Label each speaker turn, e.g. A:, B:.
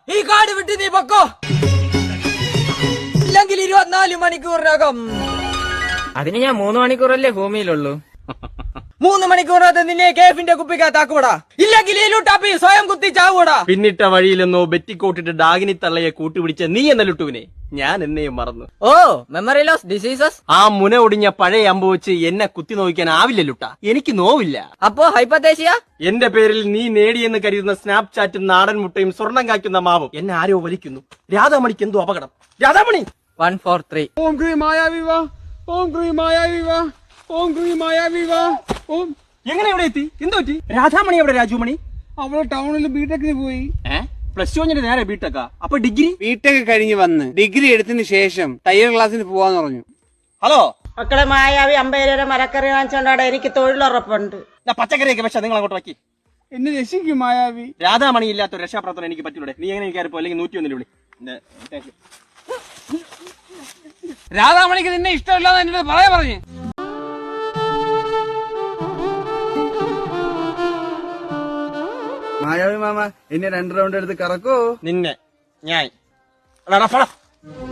A: ഈ കാട് വിട്ട് നീ പൊക്കോ, ഇല്ലെങ്കിൽ 24 മണിക്കൂറിനകം.
B: അതിന് ഞാൻ 3 മണിക്കൂറല്ലേ ഭൂമിയിലുള്ളൂ.
A: 3 മണിക്കൂറിനകത്ത് നിന്നെ കേഫിന്റെ കുപ്പിക്കകത്താക്കൂടാ, ഇല്ലെങ്കിൽ ഈ ലുട്ടാപ്പി സ്വയം കുത്തി ചാവൂടാ.
C: പിന്നിട്ട വഴിയിലെന്നോ ബെറ്റിക്കോട്ടിട്ട് ഡാഗിനി തള്ളയെ കൂട്ടുപിടിച്ച നീ എന്ന ലുട്ടുവിനെ ഞാൻ എന്നെയും മറന്നു.
B: ഓ, മെമ്മറി ലോസ് ഡിസീസസ്.
C: ആ മുന ഒടിഞ്ഞ പഴയ അമ്പ് വെച്ച് എന്നെ കുത്തി നോക്കാൻ ആവില്ല ലുട്ട, എനിക്ക് നോവില്ല.
B: അപ്പോ ഹൈപ്പത്തേഷ്യ?
C: എന്റെ പേരിൽ നീ നേടിയെന്ന് കരുതുന്ന സ്നാപ്ചാറ്റും നാടൻ മുട്ടയും സ്വർണം കായ്ക്കുന്ന മാവും എന്നെ ആരോ വലിക്കുന്നു. രാധാമണിക്ക് എന്തോ അപകടം. രാധാമണി
B: 1 4 3.
D: ഓം ക്രീം മായാവിവാ, ഓം ക്രീം മായാവിവാ, ഓം ക്രീം മായാവിവാ. ഓം
C: എങ്ങനെ ഇവിടെ എത്തി? എന്തോ പറ്റി? രാധാമണി എവിടെ? രാജുമണി
D: അവള് ടൗണിൽ ബിടെക്കിന് പോയി.
C: പ്ലസ് ടു കഴിഞ്ഞിട്ട് നേരെ ബിടെക്കാ? അപ്പൊ ഡിഗ്രി?
D: ബിടെക് കഴിഞ്ഞ് വന്ന് ഡിഗ്രി എടുത്തതിന് ശേഷം തയ്യൽ ക്ലാസ്സിന് പോവാന്ന് പറഞ്ഞു.
C: ഹലോ
E: മക്കളെ, മായാവി 50 രൂപ മരക്കറി വാങ്ങിച്ചോണ്ടാടെ, എനിക്ക് തൊഴിലുറപ്പുണ്ട്.
C: പച്ചക്കറിയൊക്കെ പക്ഷെ നിങ്ങൾ അങ്ങോട്ട് വയ്ക്കി.
D: എന്നെ രക്ഷിക്കും മായാവി.
C: രാധാമണി ഇല്ലാത്ത ഒരു രക്ഷാപ്രവർത്തനം എനിക്ക് പറ്റൂടെ? നീ എങ്ങനെ കയറിപ്പോ? അല്ലെങ്കിൽ 101 വിളി.
D: രാധാമണിക്ക് നിന്നെ ഇഷ്ടമില്ലാന്ന് എന്നോട് പറഞ്ഞു.
F: മായാവി മാമ എന്നെ 2 റൗണ്ട് എടുത്ത് കറക്കോ?
C: നിന്നെ ഞാൻ